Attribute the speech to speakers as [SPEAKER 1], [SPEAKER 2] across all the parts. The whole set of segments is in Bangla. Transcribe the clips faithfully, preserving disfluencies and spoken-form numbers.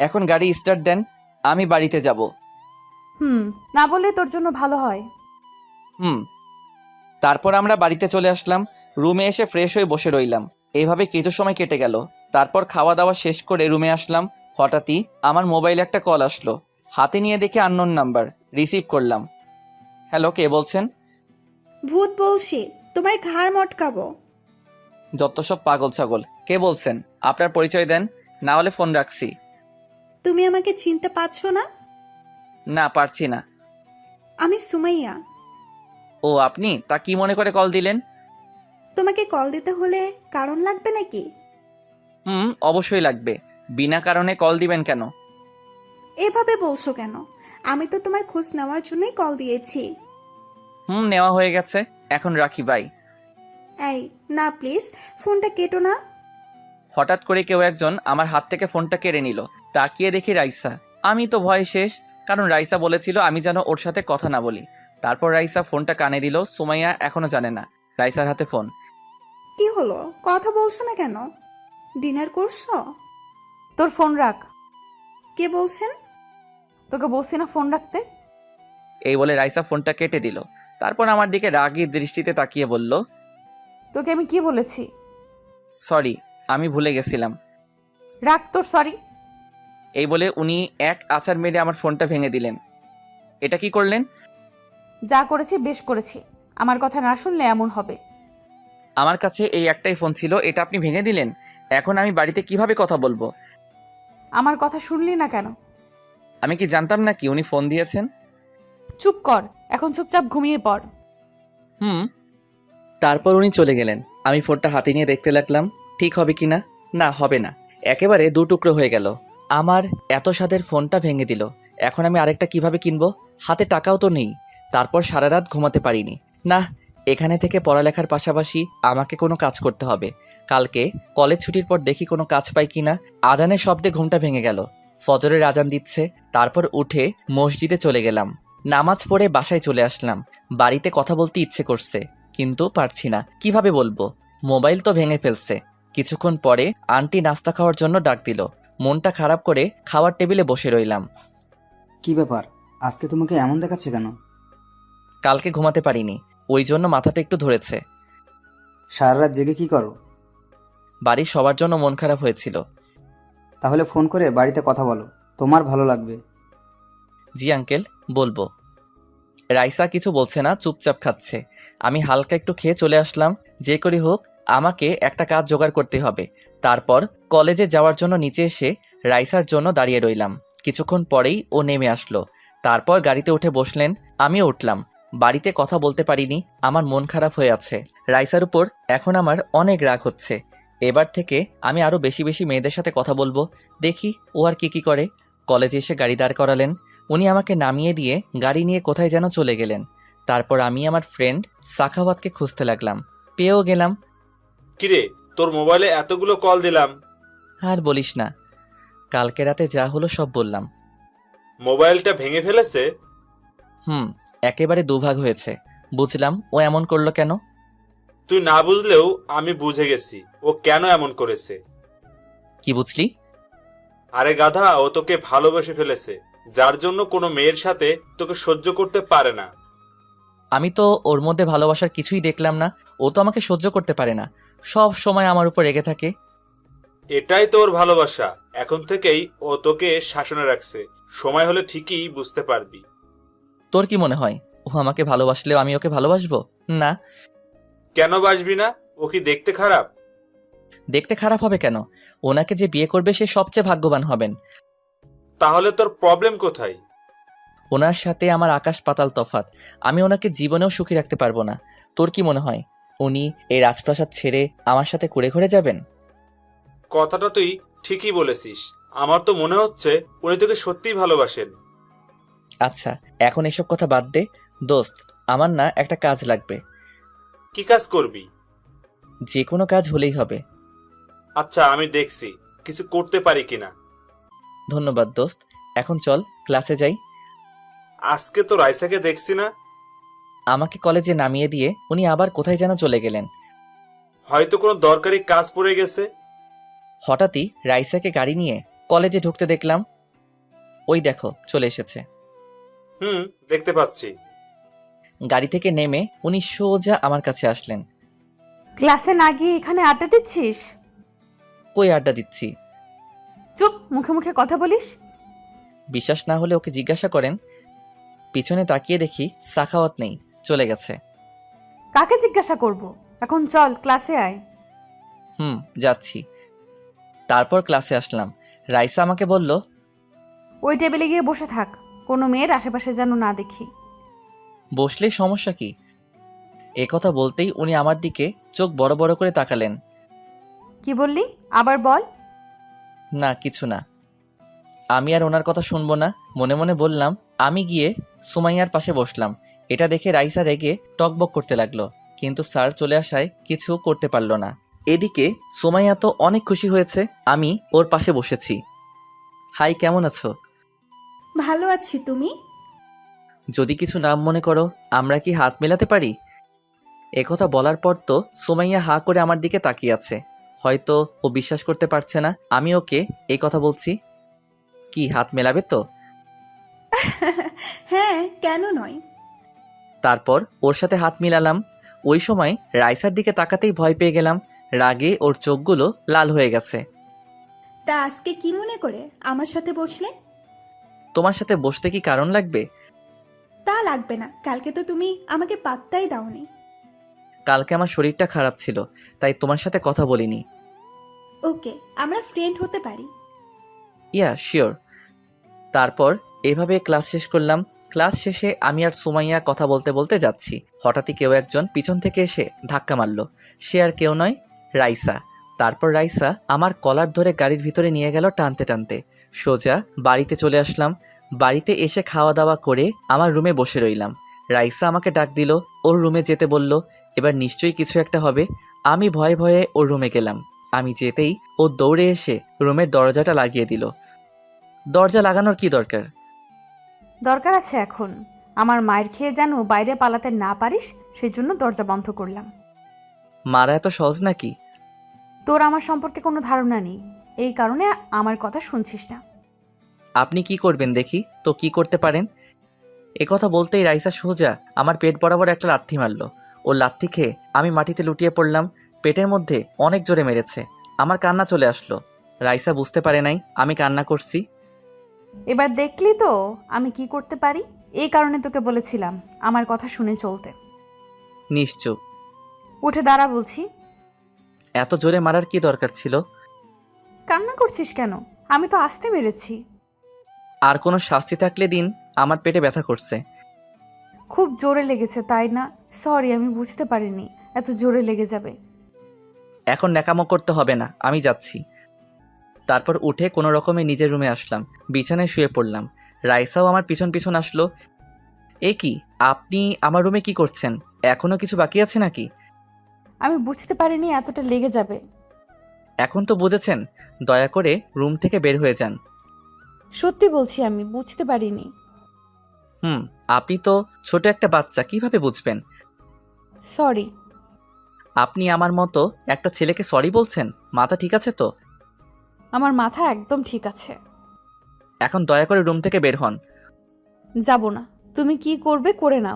[SPEAKER 1] এখন গাড়ি স্টার্ট দেন, আমি বাড়িতে যাব।
[SPEAKER 2] হুম, না বললে তোর জন্য ভালো হয়।
[SPEAKER 1] হুম। তারপর আমরা বাড়িতে চলে আসলাম। রুমে এসে ফ্রেশ হয়ে বসে রইলাম। এইভাবে কিছু সময় কেটে গেল। তারপর খাওয়া দাওয়া শেষ করে রুমে আসলাম। হঠাৎই আমার মোবাইলে একটা কল আসলো। হাতে নিয়ে দেখে আননোন নাম্বার। রিসিভ করলাম। হ্যালো, কে বলছেন?
[SPEAKER 3] ভূত বলছি, তোমার ঘাড় মটকাবো।
[SPEAKER 1] যত সব পাগল ছাগল। কে বলছেন? আপনার পরিচয় দেন, না হলে ফোন রাখছি।
[SPEAKER 3] তুমি আমাকে চিনতে পারছো না?
[SPEAKER 1] না, পারছি না।
[SPEAKER 3] আমি সুমাইয়া।
[SPEAKER 1] ও আপনি? তা কি মনে করে কল দিলেন?
[SPEAKER 3] তোমাকে কল দিতে হলে কারণ লাগবে নাকি?
[SPEAKER 1] হুম, অবশ্যই লাগবে। বিনা কারণে কল দিবেন কেন?
[SPEAKER 3] এভাবে বলছো কেন? আমি তো তোমার খোঁজ নেওয়ার জন্যই কল দিয়েছি।
[SPEAKER 1] হুম, নেওয়া হয়ে গেছে। এখন রাখি, বাই।
[SPEAKER 3] এই না, প্লিজ ফোনটা কেটো না।
[SPEAKER 1] হঠাৎ করে কেউ একজন আমার হাত থেকে ফোনটা কেড়ে নিল। তাকিয়ে দেখি রাইসা। আমি তো ভয়ে শেষ, কারণ রাইসা বলেছিল আমি যেন ওর সাথে কথা না বলি। তারপর রাইসা ফোনটা কানে দিল। সুমাইয়া এখনো জানে না রাইসার হাতে ফোন।
[SPEAKER 3] কি হলো, কথা বলছো না কেন? ডিনার করছো?
[SPEAKER 2] তোর ফোন রাখ।
[SPEAKER 3] কে বলছেন?
[SPEAKER 2] তোকে বলছি না ফোন রাখতে?
[SPEAKER 1] এই বলে রাইসা ফোনটা কেটে দিল। তারপর আমার দিকে রাগী দৃষ্টিতে তাকিয়ে বলল,
[SPEAKER 2] তোকে আমি কি বলেছি?
[SPEAKER 1] সরি, আমি ভুলে গেছিলাম।
[SPEAKER 2] রাখ তোর সরি।
[SPEAKER 1] এই বলে উনি এক আছাড় মেরে আমার ফোনটা ভেঙে দিলেন। এটা কি করলেন?
[SPEAKER 2] যা করেছি বেশ করেছি। আমার কথা না শুনলে এমন হবে।
[SPEAKER 1] আমার কাছে এই একটাই ফোন ছিল, এটা আপনি ভেঙে দিলেন। এখন আমি বাড়িতে কিভাবে কথা বলবো?
[SPEAKER 2] আমার কথা শুনলি না কেন?
[SPEAKER 1] আমি কি জানতাম না কি উনি ফোন দিয়েছেন?
[SPEAKER 2] চুপ কর, এখন চুপচাপ ঘুমিয়ে পড়।
[SPEAKER 1] হুম। তারপর উনি চলে গেলেন। আমি ফোনটা হাতে নিয়ে দেখতে লাগলাম ঠিক হবে কি না। না, হবে না। একেবারে দু টুকরো হয়ে গেল। আমার এত স্বাদের ফোনটা ভেঙে দিল। এখন আমি আরেকটা কিভাবে কিনবো? হাতে টাকাও তো নেই। তারপর সারা রাত ঘুমাতে পারিনি। না, এখানে থেকে পড়ালেখার পাশাপাশি আমাকে কোনো কাজ করতে হবে। কালকে কলেজ ছুটির পর দেখি কোনো কাজ পাই কিনা। আজানের শব্দে ঘুমটা ভেঙে গেল। ফজরের আজান দিচ্ছে। তারপর উঠে মসজিদে চলে গেলাম। নামাজ পড়ে বাসায় চলে আসলাম। বাড়িতে কথা বলতে ইচ্ছে করছে, কিন্তু পারছি না। কিভাবে বলবো? মোবাইল তো ভেঙে ফেলছে। কিছুক্ষণ পরে আন্টি নাস্তা খাওয়ার জন্য ডাক দিল। মনটা খারাপ করে খাওয়ার টেবিলে বসে রইলাম।
[SPEAKER 4] কি ব্যাপার, আজকে তোমাকে এমন দেখাচ্ছে কেন?
[SPEAKER 1] কালকে ঘুমাতে পারিনি, ওই জন্য মাথাটা একটু ধরেছে।
[SPEAKER 4] সারা রাত জেগে কি করো?
[SPEAKER 1] বাড়ির সবার জন্য মন খারাপ হয়েছিল।
[SPEAKER 4] তাহলে ফোন করে বাড়িতে কথা বলো, তোমার ভালো লাগবে।
[SPEAKER 1] জি আঙ্কেল, বলবো। রাইসা কিছু বলছে না, চুপচাপ খাচ্ছে। আমি হালকা একটু খেয়ে চলে আসলাম। যে করি হোক আমাকে একটা কাজ জোগাড় করতে হবে। তারপর কলেজে যাওয়ার জন্য নিচে এসে রাইসার জন্য দাঁড়িয়ে রইলাম। কিছুক্ষণ পরেই ও নেমে আসলো। তারপর গাড়িতে উঠে বসলেন, আমিও উঠলাম। বাড়িতে কথা বলতে পারিনি, আমার মন খারাপ হয়ে আছে। রাইসার উপর এখন আমার অনেক রাগ হচ্ছে। এবার থেকে আমি আরও বেশি বেশি মেয়েদের সাথে কথা বলবো। দেখি ও আর কি কি করে। কলেজে এসে গাড়ি দাঁড় করালেন। উনি আমাকে নামিয়ে দিয়ে গাড়ি নিয়ে কোথায় যেন চলে গেলেন। তারপর আমি আমার ফ্রেন্ড সাখাওয়াতকে খুঁজতে লাগলাম। পেয়েও গেলাম।
[SPEAKER 5] কিরে, তোর মোবাইলে এতগুলো কল দিলাম,
[SPEAKER 1] আর বলিস না, কালকে রাতে যা হলো সব বললাম।
[SPEAKER 5] মোবাইলটা ভেঙে ফেলেছে?
[SPEAKER 1] হুম, একেবারে দুভাগ হয়েছে। বুঝলাম ও এমন করলো কেন।
[SPEAKER 5] তুই না বুঝলেও আমি বুঝে গেছি ও কেন এমন করেছে।
[SPEAKER 1] কি বুঝলি?
[SPEAKER 5] আরে গাধা, ও তোকে ভালোবেসে ফেলেছে, যার জন্য কোনো মেয়ের সাথে তোকে সহ্য করতে পারে না।
[SPEAKER 1] আমি তো ওর মধ্যে ভালোবাসার কিছুই দেখলাম না। ও তো আমাকে সহ্য করতে পারে না, সব সময় আমার উপর রেগে থাকে।
[SPEAKER 5] এটাই তোর ভালোবাসা। এখন থেকেই ও তোকে শাসনে রাখছে, সময় হলে ঠিকই বুঝতে পারবি।
[SPEAKER 1] তোর কি মনে হয় ও আমাকে ভালোবাসলেও আমি ওকে ভালোবাসবো? না।
[SPEAKER 5] কেন বাসবি না? ও কি দেখতে খারাপ?
[SPEAKER 1] দেখতে খারাপ হবে কেন? ওনাকে যে বিয়ে করবে সে সবচেয়ে ভাগ্যবান হবেন।
[SPEAKER 5] তাহলে তোর প্রবলেম কোথায়?
[SPEAKER 1] ওনার সাথে আমার আকাশ পাতাল তফাৎ। আমি ওনাকে জীবনেও সুখী রাখতে পারবো না। তোর কি মনে হয় উনি এই রাজপ্রাসাদ ছেড়ে আমার সাথে ঘুরে ঘুরে যাবেন?
[SPEAKER 5] কথাটা তুই ঠিকই বলেছিস। আমার তো মনে হচ্ছে উনি তোকে সত্যিই ভালোবাসেন।
[SPEAKER 1] আচ্ছা, এখন এসব কথা বাদ দে। দোস্ত, আমার না একটা কাজ লাগবে।
[SPEAKER 5] কি কাজ করবি?
[SPEAKER 1] যে কোনো কাজ হলেই হবে।
[SPEAKER 5] আচ্ছা, আমি দেখছি কিছু করতে পারি কিনা।
[SPEAKER 1] ধন্যবাদ দোস্ত। এখন চল ক্লাসে যাই।
[SPEAKER 5] আজকে তো রাইসাকে দেখছি না।
[SPEAKER 1] আমাকে কলেজে নামিয়ে দিয়ে উনি আবার কোথায় যেন চলে গেলেন।
[SPEAKER 5] হয়তো কোনো দরকারি কাজ পড়ে গেছে।
[SPEAKER 1] হঠাৎই রাইসাকে গাড়ি নিয়ে কলেজে ঢুকতে দেখলাম ওই দেখো চলে এসেছে।
[SPEAKER 5] হুম, দেখতে পাচ্ছি।
[SPEAKER 1] গাড়ি থেকে নেমে উনি সোজা আমার কাছে আসলেন।
[SPEAKER 2] ক্লাসে না গিয়ে এখানে আড্ডা দিচ্ছিস?
[SPEAKER 1] কই আড্ডা দিচ্ছি?
[SPEAKER 2] চুপ, মুখে মুখে কথা বলিস।
[SPEAKER 1] বিশ্বাস না হলে ওকে জিজ্ঞাসা করেন। পিছনে তাকিয়ে দেখি সাখাওয়াত নেই, চলে গেছে।
[SPEAKER 2] কাকে জিজ্ঞাসা করব? এখন চল ক্লাসে আয়।
[SPEAKER 1] হুম, যাচ্ছি। তারপর ক্লাসে আসলাম। রাইসা আমাকে বলল,
[SPEAKER 2] ওই টেবিলে গিয়ে বসে থাক, কোনো মেয়ের আশেপাশে যেন না দেখি।
[SPEAKER 1] বসলেই সমস্যা কি? এ কথা বলতেই উনি আমার দিকে চোখ বড় বড় করে তাকালেন।
[SPEAKER 2] কি বললি? আবার বল।
[SPEAKER 1] না কিছু না। আমি আর ওনার কথা শুনবো না, মনে মনে বললাম। আমি গিয়ে সুমাইয়ার পাশে বসলাম। এটা দেখে রাইসা রেগে টকবক করতে লাগলো, কিন্তু স্যার চলে আসায় কিছু করতে পারলো না। এদিকে সুমাইয়া তো অনেক খুশি হয়েছে আমি ওর পাশে বসেছি। হাই, কেমন আছো?
[SPEAKER 3] ভালো আছি, তুমি?
[SPEAKER 1] যদি কিছু নাম মনে করো, আমরা কি হাত মেলাতে পারি? একথা বলার পর তো সুমাইয়া হা করে আমার দিকে তাকিয়ে আছে। হয়তো ও বিশ্বাস করতে পারছে না আমি ওকে এই কথা বলছি। কি হাত মেলাবে তো?
[SPEAKER 3] হ্যাঁ, কেন নয়।
[SPEAKER 1] তারপর ওর সাথে হাত মিলালাম। ওই সময় রাইসার দিকে তাকাতেই ভয় পেয়ে গেলাম। রাগে ওর চোখগুলো লাল হয়ে গেছে।
[SPEAKER 3] তা আজকে কি মনে করে আমার সাথে বসলে?
[SPEAKER 1] তোমার সাথে বসতে কি কারণ লাগবে?
[SPEAKER 3] তা লাগবে না, কালকে তো তুমি আমাকে পাত্তাই দাওনি।
[SPEAKER 1] কালকে আমার শরীরটা খারাপ ছিল, তাই তোমার সাথে কথা বলিনি।
[SPEAKER 3] ওকে, আমরা ফ্রেন্ড হতে পারি।
[SPEAKER 1] Yeah sure. তারপর এভাবে ক্লাস শেষ করলাম। ক্লাস শেষে আমি আর সুমাইয়া কথা বলতে বলতে যাচ্ছি। হঠাৎই কেউ একজন পিছন থেকে এসে ধাক্কা মারল। সে আর কেউ নয়, রাইসা। তারপর রাইসা আমার কলার ধরে গাড়ির ভিতরে নিয়ে গেল টানতে টানতে। সোজা বাড়িতে চলে আসলাম। বাড়িতে এসে খাওয়া দাওয়া করে আমার রুমে বসে রইলাম। রাইসা আমাকে ডাক দিল, ওর রুমে যেতে বলল। এবার নিশ্চয়ই কিছু একটা হবে। আমি ভয়ে ভয়ে ওর রুমে গেলাম। আমি যেতেই ও দৌড়ে এসে রুমের দরজাটা লাগিয়ে দিল। দরজা লাগানোর কি দরকার?
[SPEAKER 2] দরকার আছে এখন। আমার মায়ের খেয়ে যেন বাইরে পালাতে না পারিস, সেই জন্য দরজা বন্ধ করলাম।
[SPEAKER 1] মারা এত সহজ নাকি?
[SPEAKER 2] তোর আমার সম্পর্কে কোনো ধারণা নেই, এই কারণে আমার কথা শুনছিস না।
[SPEAKER 1] আপনি কি করবেন দেখি তো, কি করতে পারেন? একথা বলতেই রাইসা সোজা আমার পেট বরাবর একটা লাথি মারল। ও লাথি খেয়ে আমি মাটিতে লুটিয়ে পড়লাম। পেটের মধ্যে অনেক জোরে মেরেছে। আমার কান্না চলে আসলো। রাইসা বুঝতে পারে নাই আমি কান্না করছি।
[SPEAKER 2] এবার দেখলি তো আমি কি করতে পারি। এই কারণে তোকে বলেছিলাম আমার কথা শুনে চলতে।
[SPEAKER 1] নিশ্চুপ।
[SPEAKER 2] উঠে দাঁড়া বলছি।
[SPEAKER 1] এত জোরে মারার কি দরকার ছিল?
[SPEAKER 2] কান্না করছিস কেন? আমি তো আস্তে মেরেছি।
[SPEAKER 1] আর কোনো শাস্তি থাকলে দিন, আমার পেটে ব্যথা করছে।
[SPEAKER 2] খুব জোরে লেগেছে তাই না? সরি, আমি বুঝতে পারিনি এত জোরে লেগে যাবে।
[SPEAKER 1] এখন ন্যাকামো করতে হবে না, আমি যাচ্ছি। তারপর উঠে কোনো রকমে নিজের রুমে আসলাম। বিছানায় শুয়ে পড়লাম। রাইসাও আমার পিছন পিছন আসলো। এ কি, আপনি আমার রুমে কি করছেন? এখনো কিছু বাকি আছে নাকি?
[SPEAKER 2] আমি বুঝতে পারিনি এতটা লেগে যাবে।
[SPEAKER 1] এখন তো বুঝেছেন, দয়া করে রুম থেকে বের হয়ে যান।
[SPEAKER 2] সত্যি বলছি, আমি বুঝতে পারিনি।
[SPEAKER 1] হুম, আপনি তো ছোট একটা বাচ্চা, কিভাবে বুঝবেন?
[SPEAKER 2] সরি।
[SPEAKER 1] আপনি আমার মতো একটা ছেলেকে সরি বলছেন? মাথা ঠিক আছে তো?
[SPEAKER 2] আমার মাথা একদম ঠিক আছে।
[SPEAKER 1] এখন দয়া করে রুম থেকে বের হন।
[SPEAKER 2] যাব না। তুমি কি করবে করে নাও।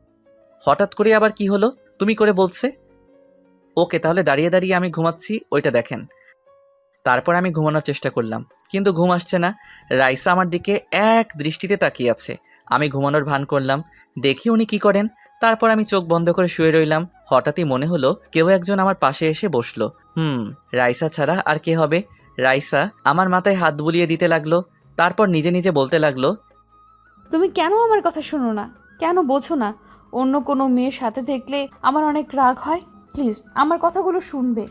[SPEAKER 1] হঠাৎ করে আবার কি হলো? তুমি করে বলছে। ওকে, তাহলে দাঁড়িয়ে দাঁড়িয়ে আমি ঘুমাচ্ছি, ওইটা দেখেন। তারপর আমি ঘুমানোর চেষ্টা করলাম, কিন্তু ঘুম আসছে না। রাইসা আমার দিকে এক দৃষ্টিতে তাকিয়ে আছে। আমি ঘুমানোর ভান করলাম, দেখি উনি কি করেন। তারপর আমি চোখ বন্ধ করে শুয়ে রইলাম। হঠাৎই মনে হলো কেউ একজন আমার পাশে এসে বসলো। হুম, রাইসা ছাড়া আর কে হবে? রাইসা আমার মাথায় হাত বুলিয়ে দিতে লাগলো। তারপর নিজে নিজে বলতে লাগলো,
[SPEAKER 2] তুমি কেন আমার কথা শোনো না? কেন বোঝো না? অন্য কোনো মেয়ের সাথে দেখলে আমার অনেক রাগ হয়। প্লিজ আমার কথাগুলো শুনবে।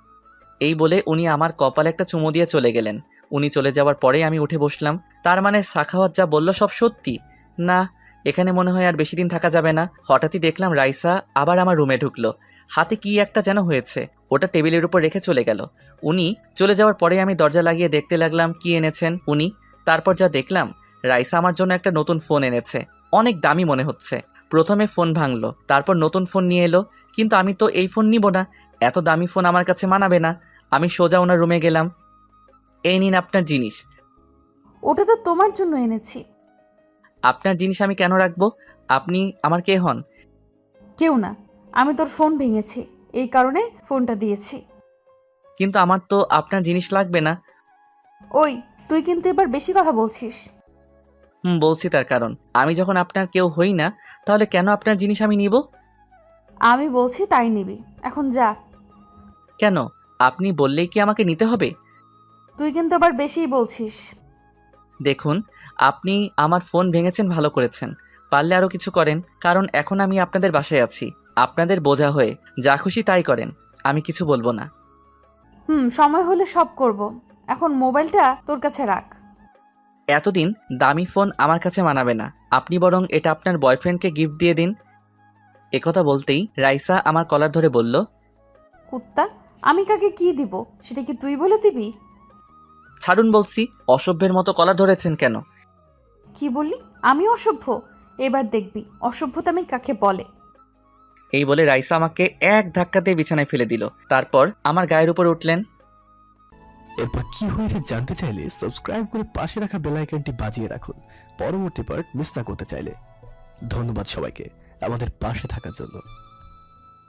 [SPEAKER 1] এই বলে উনি আমার কপালে একটা চুমু দিয়ে চলে গেলেন। উনি চলে যাওয়ার পরেই আমি উঠে বসলাম। তার মানে সাখাওয়াত যা বলল সব সত্যি? না, এখানে মনে হয় আর বেশি দিন থাকা যাবে না। হঠাৎই দেখলাম রাইসা আবার আমার রুমে ঢুকলো। হাতে কি একটা যেন হয়েছে, ওটা টেবিলের উপর রেখে চলে গেল। উনি চলে যাওয়ার পরে আমি দরজা লাগিয়ে দেখতে লাগলাম কি এনেছেন উনি। তারপর যা দেখলাম, রাইসা আমার জন্য একটা নতুন ফোন এনেছে। অনেক দামি মনে হচ্ছে। প্রথমে ফোন ভাঙলো, তারপর নতুন ফোন নিয়ে এলো। কিন্তু আমি তো এই ফোন নিব না, এত দামি ফোন আমার কাছে মানাবে না। আমি সোজা ওনার রুমে গেলাম। এই নিন আপনার জিনিস।
[SPEAKER 2] ওটা তো তোমার জন্য এনেছি।
[SPEAKER 1] আপনার জিনিস আমি কেন রাখবো? আপনি আমার কে হন?
[SPEAKER 2] কেউ না, আমি তোর ফোন ভেঙেছি, এই কারণে ফোনটা দিয়েছি।
[SPEAKER 1] কিন্তু আমার তো আপনার জিনিস লাগবে না।
[SPEAKER 2] ওই, তুই কিন্তু এবার বেশি কথা বলছিস।
[SPEAKER 1] হুম, বলছি তার কারণ আমি যখন আপনার কেউ হই না, তাহলে কেন আপনার জিনিস আমি নিব?
[SPEAKER 2] আমি বলছি তাই নিবি, এখন যা।
[SPEAKER 1] কেন? আপনি বললেই কি আমাকে নিতে হবে?
[SPEAKER 2] তুই কিন্তু আবার বেশিই বলছিস।
[SPEAKER 1] দেখুন, আপনি আমার ফোন ভেঙেছেন, ভালো করেছেন। পারলে আরও কিছু করেন, কারণ এখন আমি আপনাদের বাসায় আছি। আপনাদের বোঝা হয়ে যা খুশি তাই করেন, আমি কিছু বলবো না।
[SPEAKER 2] হুম, সময় হলে সব করব। এখন মোবাইলটা তোর কাছে রাখ।
[SPEAKER 1] এতদিন দামি ফোন আমার কাছে মানাবে না, আপনি বরং এটা আপনার বয়ফ্রেন্ডকে গিফট দিয়ে দিন। একথা বলতেই রাইসা আমার কলার ধরে বলল,
[SPEAKER 2] কুত্তা, আমি কাকে কি দিব সেটা কি তুই বলে দিবি?
[SPEAKER 1] ছাড়ুন বলছি। অসভ্যের মতো কলার ধরেছেন কেন?
[SPEAKER 2] কি বললি? আমি অসভ্য? এবার দেখবি অসভ্যতা আমি কাকে বলে।
[SPEAKER 1] এই বলে রাইসা আমাকে এক ধাক্কাতে বিছানায় ফেলে দিল। তারপর আমার গায়ের উপর উঠলেন।
[SPEAKER 6] এরপর কি হয়েছে জানতে চাইলে সাবস্ক্রাইব করে পাশে রাখা বেল আইকনটি বাজিয়ে রাখুন পরবর্তী পার্ট মিস না করতে চাইলে। ধন্যবাদ সবাইকে আমাদের পাশে থাকার জন্য।